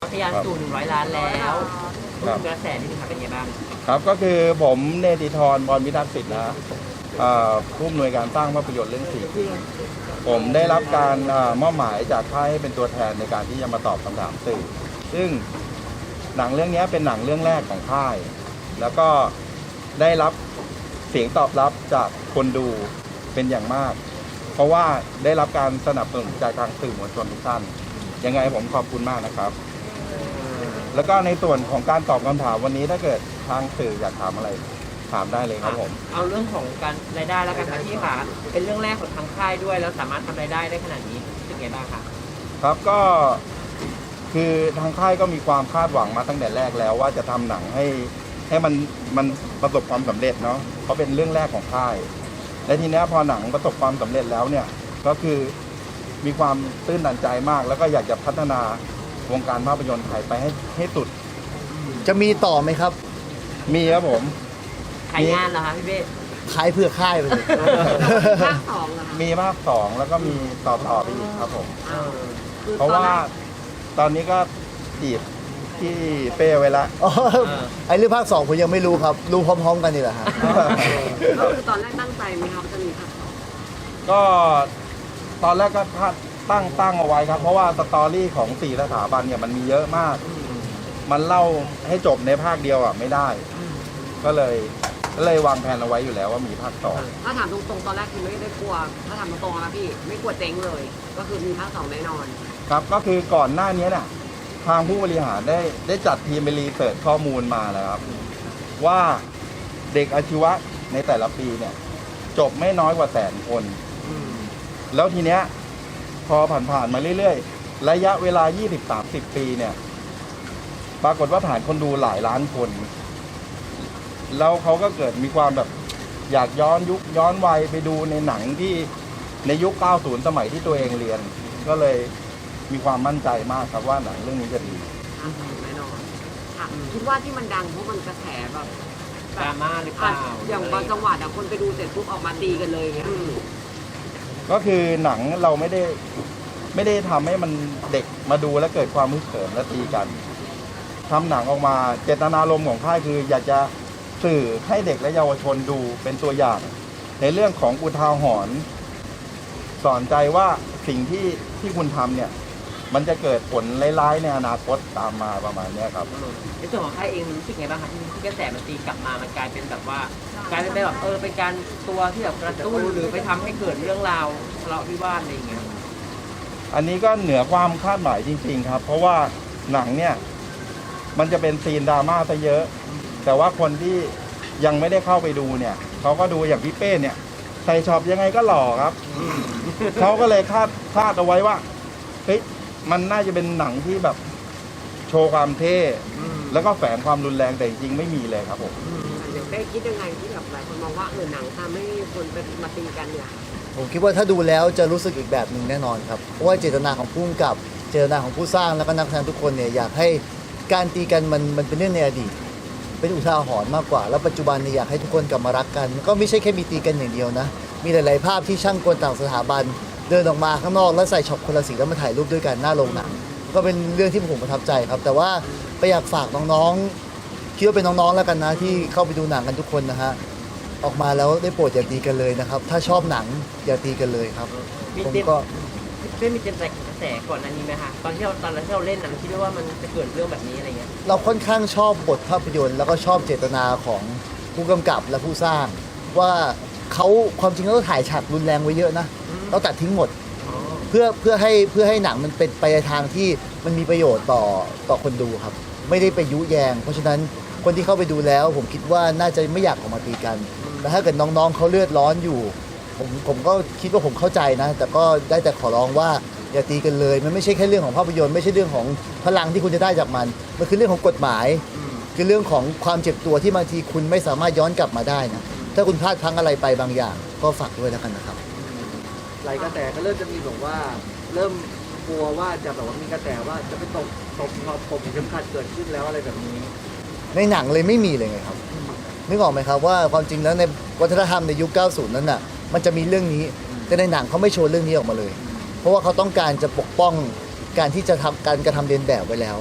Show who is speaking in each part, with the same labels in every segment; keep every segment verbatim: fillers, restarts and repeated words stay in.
Speaker 1: ทะยานสู่หนึ่งร้อยล้านแล้วกระแสนี่มันเป็นยังไงบ้าง
Speaker 2: ครับก็คือผมเนติธรบรพิทักษ์สิทธิ์นะผู้อำนวยการสร้างภาพยนตร์เรื่องสี่ผมได้รับการมอบหมายจากค่ายให้เป็นตัวแทนในการที่จะมาตอบคำถามสื่อซึ่งหนังเรื่องนี้เป็นหนังเรื่องแรกของค่ายแล้วก็ได้รับเสียงตอบรับจากคนดูเป็นอย่างมากเพราะว่าได้รับการสนับสนุนจากทางสื่อมวลชนทุกท่านยังไงผมขอบคุณมากนะครับแล้วก็ในส่วนของการตอบคำถามวันนี้ถ้าเกิดทางสื่ออยากถามอะไรถามได้เลยครับผม
Speaker 1: เอาเรื่องของการรายได้แล้วกันค่ะที่ค่ะเป็นเรื่องแรกของทางค่ายด้วยแล้วสามารถทำรายได้ได้ขนาดนี้เป็นไงบ้างคะ
Speaker 2: ครับก็คือทางค่ายก็มีความคาดหวังมาตั้งแต่แรกแล้วว่าจะทำหนังให้ให้มันมันประสบความสำเร็จเนาะเพราะเป็นเรื่องแรกของค่ายและทีนี้พอหนังประสบความสำเร็จแล้วเนี่ยก็คือมีความตื้นตันใจมากแล้วก็อยากจะพัฒนาวงการภาพยนตร์ไทยไปให้ให้สุด
Speaker 3: จะมีต่อไหมครับ
Speaker 2: มีครับผม
Speaker 1: ขายงานเหรอคะพี่เบ้
Speaker 3: ขายเพื่อค่ายไปเลย
Speaker 1: ภาคสองเหรอคะ
Speaker 2: มีภาคสองแล้วก็มีต่อต่อไปอีกครับผมเพราะว่าตอนนี้ก็จีบที่เป้ไว้ละ
Speaker 3: ไอ้เรื่องภาคสองผมยังไม่รู้ครับรู้พร้อมๆกันนี่แหละฮะ
Speaker 1: ก็คือตอนแรกตั้งใจไหมครับจะมีภาคสอง
Speaker 2: ก็ตอนแรกก็ตั้งตั้งเอาไว้ครับเพราะว่าสตอรี่ของสี่สถาบันเนี่ยมันมีเยอะมากมันเล่าให้จบในภาคเดียวอ่ะไม่ได้ก็เลยก็เลยวางแผนเอาไว้อยู่แล้วว่ามีภาคสอง
Speaker 1: ถ้าถามตรงๆตอนแรกคือไม่ได้กลัวถ้าถามตรงๆนะพี่ไม่กลัวเจ๊งเลยก็คือมีภาคสองแน่นอน
Speaker 2: ครับก็คือก่อนหน้านี้เนี่ยทางผู้บริหารได้ได้จัดทีมไปรีเสิร์ชข้อมูลมาแล้วครับว่าเด็กอาชีวะในแต่ละปีเนี่ยจบไม่น้อยกว่าแสนคนแล้วทีเนี้ยพอผ่านๆมาเรื่อยๆระยะเวลา ยี่สิบถึงสามสิบ ปีเนี่ยปรากฏว่าฐานคนดูหลายล้านคนแล้วเขาก็เกิดมีความแบบอยากย้อนยุคย้อนวัยไปดูในหนังที่ในยุค เก้าสิบ สมัยที่ตัวเองเรียนก็เลยมีความมั่นใจมากครับว่าหนังเรื่องนี้จะดี
Speaker 1: แน่นอนคิดว่าที่มันดังเพราะมันกระแสแบบดราม่าหรือเปล่าอย่างบางจังหวัดคนไปดูเสร็จปุ๊บออกมาตีกันเลยอย่างเงี้ย
Speaker 2: ก็คือหนังเราไม่ได้ไม่ได้ทำให้มันเด็กมาดูแล้วเกิดความมึนเขิมและตีกันทำหนังออกมาเจตนารมณ์ของค่ายคืออยากจะสื่อให้เด็กและเยาวชนดูเป็นตัวอย่างในเรื่องของอุทาหรณ์สอนใจว่าสิ่งที่ที่คุณทำเนี่ยมันจะเกิดผลร้ายๆในอนาคตตามมาประมาณนี้ครับ
Speaker 1: ในส่วนของค่ายเองรู้สึกไงบ้างครับที่กระแสมันตีกลับมามันกลายเป็นแบบว่ากลายเป็นแบบเออเป็นการตัวที่แบบกระตุ้นหรือไปทำให้เกิดเรื่องราวทะเลาะวิวาทอะไรอย่างเงี้ย
Speaker 2: อันนี้ก็เหนือความคาดหมายจริงๆครับเพราะว่าหนังเนี่ยมันจะเป็นซีนดราม่าซะเยอะแต่ว่าคนที่ยังไม่ได้เข้าไปดูเนี่ยเขาก็ดูอย่างพี่เป้เนี่ยใส่ช็อปยังไงก็หล่อครับเขาก็เลยคาดคาดเอาไว้ว่าเฮ้ยมันน่าจะเป็นหนังที่แบบโชว์ความเท่แล้วก็แฝงความรุนแรงแต่จริงไม่มีเลยครับผม
Speaker 1: เดี๋ยวเป้คิดยังไงที่แบบหลายคนมองว่าเออหนังทำให้คนไปมาตีกันเนี่ย
Speaker 3: ผมคิดว่าถ้าดูแล้วจะรู้สึกอีกแบบหนึ่งแน่นอนครับเพราะว่าเจตนาของผู้กำกับเจตนาของผู้สร้างแล้วก็นักแสดงทุกคนเนี่ยอยากให้การตีกันมันมันเป็นเรื่องในอดีตเป็นอุทาหรณ์มากกว่าแล้วปัจจุบันเนี่ยอยากให้ทุกคนกลับมารักกันก็ไม่ใช่แค่มีตีกันอย่างเดียวนะมีหลายๆภาพที่ช่างกลต่างสถาบันเดินออกมาข้างนอกแล้วใส่ช็อปคนละสีแล้วมาถ่ายรูปด้วยกันหน้าโรงหนังก็เป็นเรื่องที่ผมประทับใจครับแต่ว่าไปอยากฝากน้องๆคิดว่าเป็นน้องๆแล้วกันนะที่เข้าไปดูหนังกันทุกคนนะฮะออกมาแล้วได้โปรดอย่าตีกันเลยนะครับถ้าชอบหนังอย่าตีกันเลยครับผมก็
Speaker 1: ไม่มีเจนใจกระแสก่อนอันนี้ไหมคะตอนที่เราตอนที่เราเล่นหนังคิดว่ามันจะเกิดเรื่องแบบนี้อะไรเงี้ย
Speaker 3: เราค่อนข้างชอบบทภาพยนตร์แล้วก็ชอบเจตนาของผู้กำกับและผู้สร้างว่าเขาความจริงแล้วถ่ายฉากรุนแรงไว้เยอะนะเราตัดทิ้งหมดเพื่อเพื่อให้เพื่อให้หนังมันเป็นไปในทางที่มันมีประโยชน์ต่อต่อคนดูครับไม่ได้ไปยุแยงเพราะฉะนั้นคนที่เข้าไปดูแล้วผมคิดว่าน่าจะไม่อยากออกมาตีกันแต่ถ้าเกิดน้องๆเขาเลือดร้อนอยู่ผมผมก็คิดว่าผมเข้าใจนะแต่ก็ได้แต่ขอร้องว่าอย่าตีกันเลยมันไม่ใช่แค่เรื่องของภาพยนตร์ไม่ใช่เรื่องของพลังที่คุณจะได้จากมันมันคือเรื่องของกฎหมายคือเรื่องของความเจ็บตัวที่บางทีคุณไม่สามารถย้อนกลับมาได้นะถ้าคุณพลาดพลั้งอะไรไปบางอย่างก็ฝากด้วยแล้วกันนะครับ
Speaker 4: หลายกระแสก็เริ่มจะมีแบบว่าเริ่มกลัวว่าจะแบบว่ามีกระแสว่าจะไปตบตบตบผมเข็มขัดเกิดขึ้นแล้วอะไรแบบนี้
Speaker 3: ในหนังเลยไม่มีเลยไงครับนึกออกไหมครับว่าความจริงแล้วในวัฒนธรรมในยุค เก้าสิบ นั้นน่ะมันจะมีเรื่องนี้แต่ในหนังเขาไม่โชว์เรื่องนี้ออกมาเลยเพราะว่าเขาต้องการจะปกป้องการที่จะทำการกระทำเลียนแบบไว้แล้ว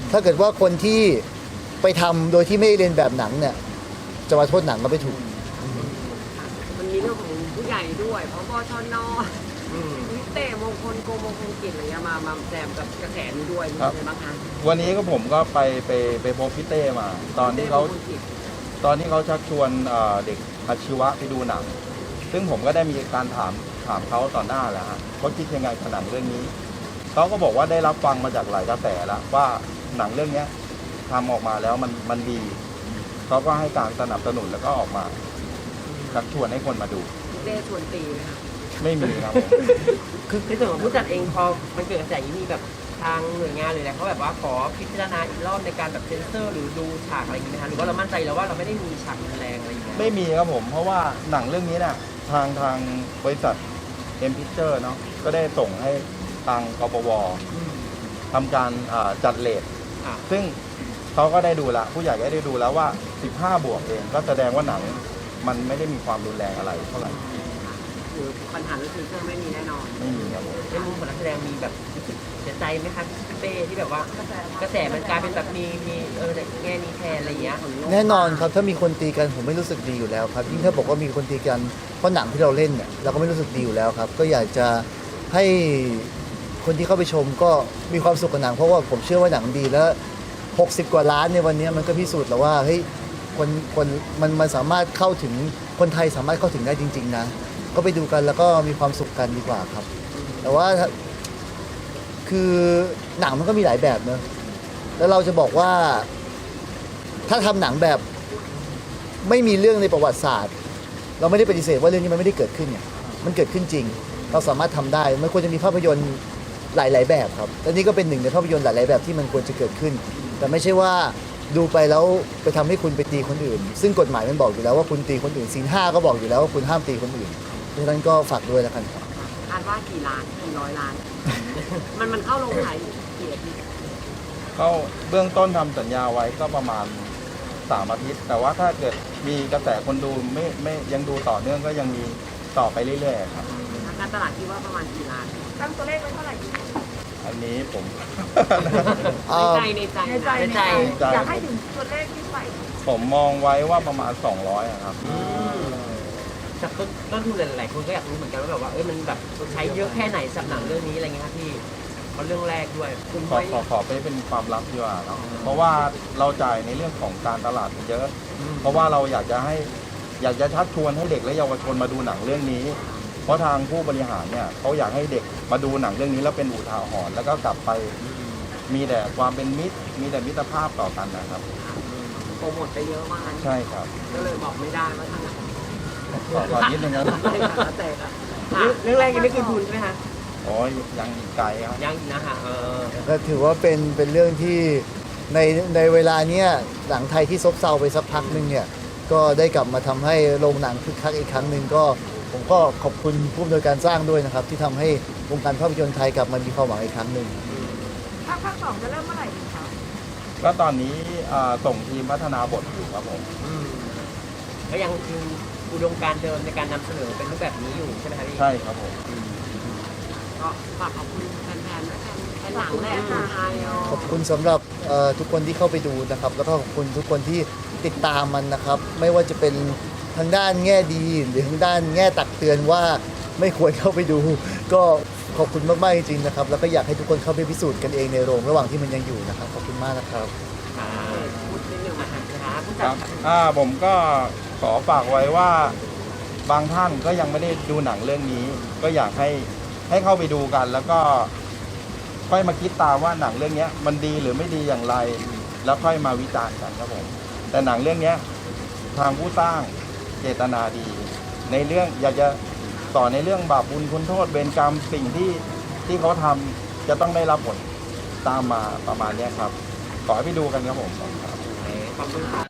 Speaker 3: ถ้าเกิดว่าคนที่ไปทำโดยที่ไม่ได้เรียนแบบหนังเนี่ยจะมาโทษหนังก็ไม่ถูก
Speaker 5: มันมีเรื่องของผู้ใหญ่ด้วยเพราะบชน
Speaker 1: อืม
Speaker 5: วิเตมงคลโกมงคลกิจอะไรเงี้ยมามาแซมกับกระแสนี้ด้วยมี
Speaker 2: ครับ
Speaker 5: อะไรบ้างคะ
Speaker 2: วันนี้ก็ผมก็ไปไปไปพบพี่เต้มา ตอนที่เขา
Speaker 5: วิต้มงคลกิจ
Speaker 2: ตอนที่เขาชักชวนเอ่อเด็กอาชีวะไปดูหนัง ซึ่งผมก็ได้มีการถามถามเขาต่อหน้าแล้วฮะว่าคิดยังไงกับหนังเรื่องนี้เขาก็บอกว่าได้รับฟังมาจากหลายกระแสแล้วว่าหนังเรื่องเนี้ยทำออกมาแล้วมันมันดีเขาก็ให้การสนับสนุนแล้วก็ออกมาชักชวนให้คนมาดู
Speaker 5: เต้ชวนตีไหมคะ
Speaker 2: ไม่มีครับผม
Speaker 1: คือในส่วนของผู้จัดเองพอมันเกิดกระแสอย่างนี้มีแบบทางหน่วยงานเลยนะเขาแบบว่าขอพิจารณาอีกรอบในการแบบเซ็นเซอร์หรือดูฉากอะไรอย่างนี้ไหมคะหรือว่าเรามั่นใจแล้วว่าเราไม่ได้มีฉากรุนแรงอะไรอย่างเงี้ย
Speaker 2: ไม่มีครับผม เพราะว่าหนังเรื่องนี้เนี่ยทางทางบริษัทเอ็มพิเจอร์เนาะก็ได้ส่งให้ทางกปว
Speaker 1: อืม
Speaker 2: ทำการอ่าจัดเลท
Speaker 1: อ่ะ
Speaker 2: ซึ่งเขาก็ได้ดูแล้วผู้ใหญ่ก็ได้ดูแล้วว่า สิบห้า บวกเอง ก็แสดงว่าหนังมันไม่ได้มีความรุนแรงอะไรเท่าไหร่
Speaker 5: คือปัญหาเรื่องซีเซอร์ไม่มีแน่นอน
Speaker 2: ไม่มีครับผม
Speaker 1: ในมุมของนักแสดงมีแบบรู้สึกเสียใจไหมคะพี่เป้ที่แบบว่ากระแสมันกลายเป็นแบบมีมีเออแต่แง่นี้แทนอะไรอย่างเงี้ย
Speaker 3: แน่นอนครับถ้ามีคนตีกันผมไม่รู้สึกดีอยู่แล้วครับยิ่งถ้าบอกว่ามีคนตีกันเพราะหนังที่เราเล่นเนี่ยเราก็ไม่รู้สึกดีอยู่แล้วครับ ก็อยากจะให้คนที่เข้าไปชมก็มีความสุขกับหนังเพราะว่าผมเชื่อว่าหนังดีแล้วหกสิบกว่าล้านในวันนี้มันก็พิสูจน์แล้วว่าเฮ้ยคนคนมันมันสามารถเข้าถึงคนไทยสามารถเข้าถึงได้จริง ๆ นะ ก็ไปดูกันแล้วก็มีความสุขกันดีกว่าครับ แต่ว่าถ้าคือหนังมันก็มีหลายแบบเนอะแล้วเราจะบอกว่า ถ้าทำหนังแบบไม่มีเรื่องในประวัติศาสตร์ เราไม่ได้ปฏิเสธว่าเรื่องนี้มันไม่ได้เกิดขึ้นเนี่ยมันเกิดขึ้นจริง เราสามารถทำได้มันควรจะมีภาพยนตร์หลาย ๆ แบบครับและนี่ก็เป็นหนึ่งในภาพยนตร์หลาย ๆ แบบที่มันควรจะเกิดขึ้น แต่ไม่ใช่ว่าดูไปแล้วไปทำให้คุณไปตีคนอื่น ซึ่งกฎหมายมันบอกอยู่แล้วว่าคุณตีคนอื่นศีลห้าก็บอกอยู่แล้วว่าคุณห้ามตีคนอื่นเพราะฉะนั้นก็ฝากด้วยแล้วกันครับ
Speaker 5: คาดว่ากี่ล้านกี่ร้อยล้าน มันมันเข้าลงขายกี่อาทิตย์
Speaker 2: เขาเบื้องต้นทำสัญญาไว้ก็ประมาณสามอาทิตย์ แต่ว่าถ้าเกิดมีกระแสคนดูไม่ไม่ยังดูต่อเนื่องก็ยังมีต่อไปเรื่อยๆครับ
Speaker 5: ทางการตลาดคิดว่าประมาณกี่ล้าน
Speaker 6: ตั้งตัวเลขไว้เท่าไหร่ดี
Speaker 2: อันนี้ผม
Speaker 3: เอ่
Speaker 5: ใน
Speaker 3: อ
Speaker 5: ใจในใจ
Speaker 6: ในใจ
Speaker 5: นะ
Speaker 6: ในใจอยากให้ถึงตัวเลขที่ใส่
Speaker 2: ผมมองไว้ว่าประมาณ สองร้อยอะครับ
Speaker 1: แต่ต้นต้นทุนหลายๆคนก็อยากรู้เหมือนกันว่าแบบว่าเอ้ยมันแบบใช้เยอะแค่ไหนสำหรับหนังเรื่องนี้อะไรเงี้ยครับพี่เพราะเรื่องแรกด้วยคุณ
Speaker 2: ขอ
Speaker 1: ไว้
Speaker 2: ขอขอไปเป็นความลับดีกว่าเนอะเพราะว่าเราจ่ายในเรื่องของการตลาดเยอะ เพราะว่าเราอยากจะให้อยากจะชักชวนให้เด็กและเยาวชนมาดูหนังเรื่องนี้ เพราะทางผู้บริหารเนี่ยเขาอยากให้เด็กมาดูหนังเรื่องนี้แล้วเป็นอุทาหรณ์แล้วก็กลับไปมีแต่ความเป็นมิตร มีแต่มิตรภาพต่อกันนะครับ
Speaker 5: โปรโมทไปเยอะมาก
Speaker 2: ใช่ครับ
Speaker 5: ก็เลยบอกไม่ได้ว่าทางไหน
Speaker 2: ขอขอนิดนึงนะ
Speaker 5: แต่ละ
Speaker 1: เรื่องแรกยังไม่คืนทุนใช่ไหมคะ
Speaker 2: โอ้ยยังอีกไกลครับ
Speaker 1: ยังอีกนะคะเออ
Speaker 3: ก็ถือว่าเป็นเป็นเรื่องที่ในในเวลาเนี้ยหนังไทยที่ซบเซาไปสักพักหนึ่งเนี่ยก็ได้กลับมาทำให้โรงหนังคึกคักอีกครั้งหนึ่งก็ผมก็ขอบคุณผู้อำนวยการสร้างด้วยนะครับ ที่ทำให้วงการภาพยนตร์ไทยกลับมามีความหวังอีกครั้งหนึ่ง
Speaker 6: ภาคภาคสองจะเริ่มเมื่อไหร่ดีคะ
Speaker 2: ก็ตอนนี้อ่าส่งทีมพัฒนาบทอยู่ครับผม
Speaker 1: อืมก็ยังคืออุดมการณ์เดิมในการนำเสนอเป็นรูปแบบนี้อยู่ใช่ไหมครับพี่
Speaker 2: ใช่ครับผม
Speaker 5: ก็ฝากขอบคุณแฟนๆด้วยกันแฟนหนังแหละคนไทย
Speaker 3: ขอบคุณสำหรับเอ่อทุกคนที่เข้าไปดูนะครับ แล้วก็ขอบคุณทุกคนที่ติดตามมันนะครับ ไม่ว่าจะเป็นทางด้านแง่ดีหรือทางด้านแง่ตักเตือนว่าไม่ควรเข้าไปดู ก็ขอบคุณมากๆจริงๆนะครับ แล้วก็อยากให้ทุกคนเข้าไปพิสูจน์กันเองในโรงระหว่างที่มันยังอยู่นะครับขอบคุณมากนะครับ
Speaker 1: อ่า
Speaker 5: พูดนิดนึง
Speaker 1: อ่า
Speaker 5: นะคะ
Speaker 1: หาผู้
Speaker 2: ค
Speaker 1: จั
Speaker 2: รั
Speaker 1: ด
Speaker 2: บอ่าผมก็ขอฝากไว้ว่าบางท่านก็ยังไม่ได้ดูหนังเรื่องนี้ ก็อยากให้ให้เข้าไปดูกัน แล้วก็ค่อยมาคิดตามว่าหนังเรื่องนี้มันดีหรือไม่ดีอย่างไร แล้วค่อยมาวิจารณ์กันครับผมแต่หนังเรื่องนี้ทางผู้สร้างเจตนาดี ในเรื่องอยากจะสอนในเรื่องบาปบุญคุณโทษเวรกรรมสิ่งที่ที่เขาทำจะต้องได้รับผลตามมาประมาณเนี้ยครับ ขอให้ไปดูกันครับผม
Speaker 1: ขอบคุณครับ